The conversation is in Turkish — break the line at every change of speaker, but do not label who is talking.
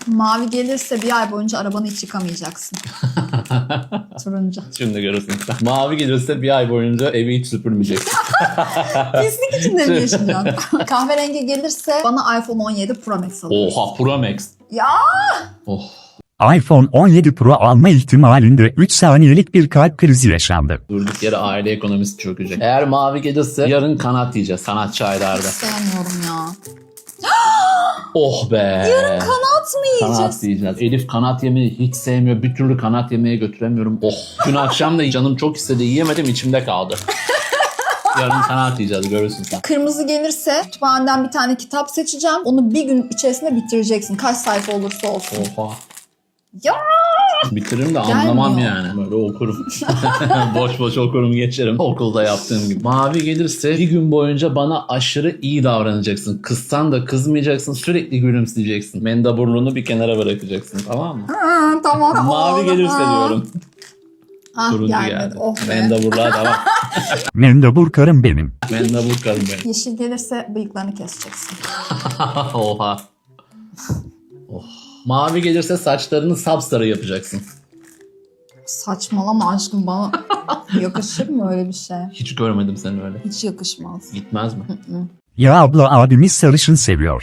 Mavi gelirse bir ay boyunca arabanı hiç yıkamayacaksın. Turuncu.
Şimdi görürsün sen. Mavi gelirse bir ay boyunca evi hiç süpürmeyeceksin.
Pislik içinde mi yaşayacaksın? Kahverengi gelirse bana iPhone 17 Pro Max alırsın.
Oha, Pro Max.
Ya!
Oh.
iPhone 17 Pro alma ihtimalinde 3 saniyelik bir kalp krizi yaşandı.
Durduk yere aile ekonomisi çökecek. Eğer mavi gelirse yarın kanat yiyeceğiz sanatçı aylarda.
Sevmiyorum ya.
Oh be.
Yarın kanat mı yiyeceğiz?
Kanat yiyeceğiz. Elif kanat yemeyi hiç sevmiyor. Bir türlü kanat yemeye götüremiyorum. Oh. Dün akşam da canım çok istedi. Yiyemedim, içimde kaldı. Yarın kanat yiyeceğiz, görürsün sen.
Kırmızı gelirse kütüphaneden bir tane kitap seçeceğim. Onu bir gün içerisinde bitireceksin. Kaç sayfa olursa olsun.
Oha.
Ya!
Bitiririm de anlamam
Gelmiyor.
yani. Böyle okurum. Boş boş okurum geçerim. Okulda yaptığım gibi. Mavi gelirse bir gün boyunca bana aşırı iyi davranacaksın. Kızsan da kızmayacaksın. Sürekli gülümseyeceksin. Mendaburluğunu bir kenara bırakacaksın. Tamam mı?
Tamam.
Mavi gelirse diyorum.
Ah,
Turuncu
gelmedi.
geldi.
Oh be.
Mendaburluğa devam.
Mendebur karım benim.
Mendabur karım benim.
Yeşil gelirse bıyıklarını keseceksin.
Oha. Oh. Mavi gelirse saçlarını sapsarı yapacaksın.
Saçmalama aşkım, bana yakışır mı öyle bir şey?
Hiç görmedim seni öyle.
Hiç yakışmaz.
Gitmez mi?
Ya abla abimiz sarışın seviyor.